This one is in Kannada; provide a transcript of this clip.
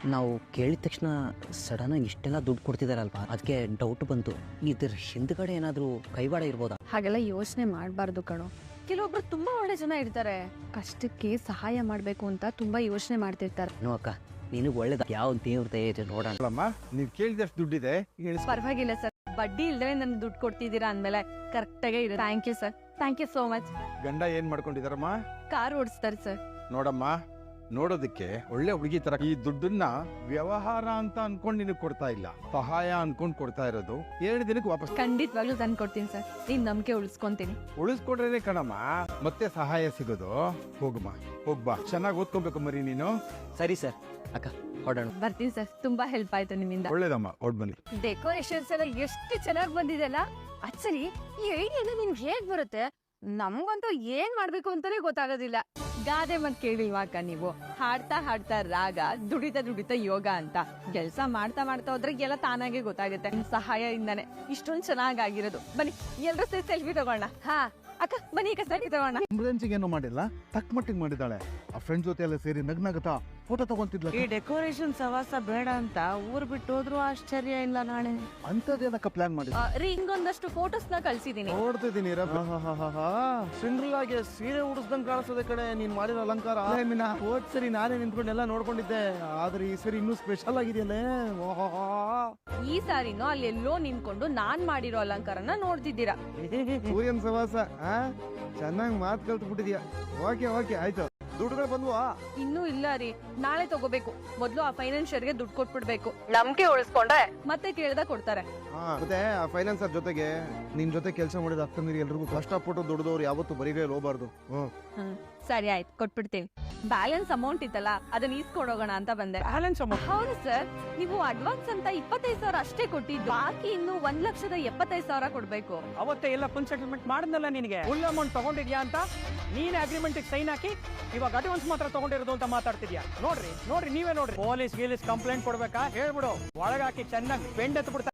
ನಾವು ಕೇಳಿದ ತಕ್ಷಣ ಸಡನ್ನಾಗಿ ಇಷ್ಟೆಲ್ಲ ದುಡ್ಡು ಕೊಡ್ತಿದಾರಲ್ವಾ, ಅದಕ್ಕೆ ಡೌಟ್ ಬಂತು. ಇದ್ರ ಹಿಂದ್ಗಡೆ ಏನಾದರೂ ಕೈವಾಡ ಇರ್ಬೋದಾ? ಹಾಗೆಲ್ಲ ಯೋಚನೆ ಮಾಡಬಾರ್ದು ಕಣೋ. ಕೆಲವೊಬ್ರು ತುಂಬಾ ಒಳ್ಳೆ ಜನ ಇರ್ತಾರೆ, ಕಷ್ಟಕ್ಕೆ ಸಹಾಯ ಮಾಡಬೇಕು ಅಂತ ತುಂಬಾ ಯೋಚನೆ ಮಾಡ್ತಿರ್ತಾರೆ. ಅಕ್ಕ, ನಿನಗೆ ಒಳ್ಳೇದ ಯಾವ ದೇವ್ರ ದಯೆ ಇದೆ ನೋಡೋಣ. ನೀವು ಕೇಳಿದಷ್ಟು ದುಡ್ಡಿದೆ. ಪರವಾಗಿಲ್ಲ ಸರ್, ಬಡ್ಡಿ ಇಲ್ದೇ ನನ್ಗೆ ದುಡ್ಡು ಕೊಡ್ತಿದ್ದೀರಾ ಅಂದ್ಮೇಲೆ ಕರೆಕ್ಟ್ ಆಗೇ ಇದೆ. Thank you sir, thank you so much. ಗಂಡ ಏನ್ ಮಾಡ್ಕೊಂಡಿದಾರಮ್ಮ? Car ಓಡಿಸ್ತಾರೆ sir. ನೋಡಮ್ಮ, ನೋಡೋದಕ್ಕೆ ಒಳ್ಳೆ ಹುಡುಗಿ ತರ. ಈ ದುಡ್ಡನ್ನ ವ್ಯವಹಾರ ಅಂತ ಅನ್ಕೊಂಡ್ ನಿನಗೆ ಕೊಡ್ತಾ ಇಲ್ಲ, ಸಹಾಯ ಅನ್ಕೊಂಡ್ ಕೊಡ್ತಾ ಇರೋದು. 2 ದಿನಕ್ಕೆ ವಾಪಸ್ ಖಂಡಿತವಾಗ್ಲೂ ತಂದು ಕೊಡ್ತೀನಿ ಸರ್, ನಿಮ್ ನಂಬಿಕೆ ಉಳಿಸ್ಕೊಂತೀನಿ. ಉಳಿಸ್ಕೊಡ್ರೆ ಕಣಮ್ಮ ಮತ್ತೆ ಸಹಾಯ ಸಿಗೋದು. ಹೋಗಮ್ಮ, ಹೋಗ್ಬಾ, ಚೆನ್ನಾಗಿ ಓದ್ಕೊಬೇಕು ಮರಿ ನೀನು. ಸರಿ ಸರ್, ಅಕ್ಕ ಹೊಡೋಣ. ಬರ್ತೀನಿ ಸರ್, ತುಂಬಾ ಹೆಲ್ಪ್ ಆಯ್ತು ನಿಮ್ಮಿಂದ. ಒಳ್ಳೇದಮ್ಮ, ಹೊಡ್ ಬನ್ನಿ. ಡೆಕೋರೇಷನ್ಸ್ ಎಲ್ಲ ಎಷ್ಟು ಚೆನ್ನಾಗಿ ಬಂದಿದೆಲ್ಲ. ಆಕ್ಚುಲಿ ಈ ಐಡಿಯಾ ನಿಮ್ಗೆ ಹೇಗ್ ಬರುತ್ತೆ? ನಮ್ಗಂತೂ ಏನ್ ಮಾಡ್ಬೇಕು ಅಂತಾನೆ ಗೊತ್ತಾಗೋದಿಲ್ಲ. ಗಾದೆ ಮತ್ ಕೇಳಿಲ್ವಾ ಅಕ್ಕ ನೀವು? ಹಾಡ್ತಾ ಹಾಡ್ತಾ ರಾಗ, ದುಡಿತಾ ದುಡಿತಾ ಯೋಗ ಅಂತ. ಕೆಲಸ ಮಾಡ್ತಾ ಮಾಡ್ತಾ ಹೋದ್ರೆ ಎಲ್ಲ ತಾನಾಗೆ ಗೊತ್ತಾಗುತ್ತೆ. ನಿಮ್ ಸಹಾಯದಿಂದಾನೆ ಇಷ್ಟೊಂದು ಚೆನ್ನಾಗಿರೋದು. ಬನ್ನಿ ಎಲ್ರೂ ಸೇರಿ ಸೆಲ್ಫಿ ತಗೋಣ. ಹಾ ಅಕ್ಕ ಬನ್ನಿ, ಈಗ ಸೆಲ್ಫಿ ತಗೋಣ. ಏನು ಮಾಡಿಲ್ಲ, ತಕ್ಕ ಮಟ್ಟಿಗೆ ಮಾಡಿದ್ದಾಳೆ. ಆ ಫ್ರೆಂಡ್ ಜೊತೆ ಎಲ್ಲ ಸೇರಿ ನಗ್ನಗತಾ ಫೋಟೋ ತಗೊಂತಿದ್ಲ. ಈ ಡೆಕೋರೇಷನ್ ಸವಾಸ ಬೇಡ ಅಂತ ಊರ್ ಬಿಟ್ಟು ಹೋದ್ರು ಆಶ್ಚರ್ಯ ಇಲ್ಲ. ನಾಳೆ ಅಂತದೇನಕ್ಕ ಪ್ಲಾನ್ ಮಾಡಿ ರೀ, ಹಿಂಗೊಂದಷ್ಟು ಫೋಟೋಸ್ ನ ಕಳ್ಸಿದೀನಿ. ನೋಡ್ತಿದ್ದೀನಿ. ಸಿಂಗಲ್ ಆಗಿ ಸೀರೆ ಉಡಿಸ್ದಂಗ್ ಕಾಣಿಸೋದೆ ಕಡೆ ನೀನ್ ಮಾಡಿರೋ ಅಲಂಕಾರ. ಹೋದ್ ಸರಿ ನಾನೇ ನಿಂತ್ಕೊಂಡು ಎಲ್ಲ ನೋಡ್ಕೊಂಡಿದ್ದೆ, ಆದ್ರೆ ಈ ಸರಿ ಇನ್ನೂ ಸ್ಪೆಷಲ್ ಆಗಿದೆಯಲ್ಲೇ. ಈ ಸಾರಿನೂ ಅಲ್ಲಿ ಎಲ್ಲೋ ನಿಂತ್ಕೊಂಡು ನಾನ್ ಮಾಡಿರೋ ಅಲಂಕಾರನ ನೋಡ್ತಿದ್ದೀರಾ. ಸೂರ್ಯನ್ ಸವಾಸ ಚೆನ್ನಾಗಿ ಮಾತು ಕಲ್ತು ಬಿಟ್ಟಿದ್ಯಾ. ಓಕೆ ಓಕೆ ಆಯ್ತು. ದುಡ್ಡುಗಳು ಬಂದ್ವಾ? ಇನ್ನೂ ಇಲ್ಲ ರೀ, ನಾಳೆ ತಗೋಬೇಕು. ಮೊದ್ಲು ಆ ಫೈನಾನ್ಷಿಯರ್ಗೆ ದುಡ್ಡು ಕೊಟ್ಬಿಡ್ಬೇಕು. ನಂಬಿಕೆ ಉಳಿಸ್ಕೊಂಡ್ರೆ ಮತ್ತೆ ಕೇಳ್ದ ಕೊಡ್ತಾರೆ. ಮತ್ತೆ ಆ ಫೈನಾನ್ಸರ್ ಜೊತೆಗೆ ನಿನ್ ಜೊತೆ ಕೆಲಸ ಮಾಡಿದ ಅಕ್ಕಂದಿರಿ ಎಲ್ರಿಗೂ ಕಷ್ಟಪಟ್ಟು ದುಡ್ದವ್ರು ಯಾವತ್ತು ಬರಿಗೈ ಹೋಗ್ಬಾರ್ದು. ಸರಿ ಆಯ್ತು, ಕೊಟ್ಬಿಡ್ತೀವಿ. ಬ್ಯಾಲೆನ್ಸ್ ಅಮೌಂಟ್ ಇತ್ತಲ್ಲ, ಅದನ್ನ ಈಸ್ಕೊಂಡೋಗೋಣ ಅಂತ ಬಂದೆ. Balance amount? ಹೌದು ಸರ್, ನೀವು ಅಡ್ವಾನ್ಸ್ ಅಂತ 25,000 ಅಷ್ಟೇ ಕೊಟ್ಟಿದ್ದು, ಬಾಕಿ ಇನ್ನು 1,75,000 ಕೊಡ್ಬೇಕು. ಅವತ್ತೇ ಎಲ್ಲ ಫುಲ್ ಸೆಟಲ್ಮೆಂಟ್ ಮಾಡಿದ್ನಲ್ಲ ನಿನಗೆ. ಫುಲ್ ಅಮೌಂಟ್ ತಗೊಂಡಿದ್ಯಾ ಅಂತ ನೀನ್ ಅಗ್ರಿಮೆಂಟ್ ಸೈನ್ ಹಾಕಿ ಇವಾಗ ಅಡ್ವಾನ್ಸ್ ಮಾತ್ರ ತಗೊಂಡಿರೋದು ಅಂತ ಮಾತಾಡ್ತಿದ್ಯಾ. ನೋಡ್ರಿ ನೀವೇ ನೋಡ್ರಿ. ಪೊಲೀಸ್ ಕಂಪ್ಲೇಂಟ್ ಕೊಡ್ಬೇಕಾ ಹೇಳ್ಬಿಡು, ಒಳಗಾಕಿ ಚೆನ್ನಾಗಿ ಬೆಂಡ್ ಎತ್ಬಿಡ್ತಾ.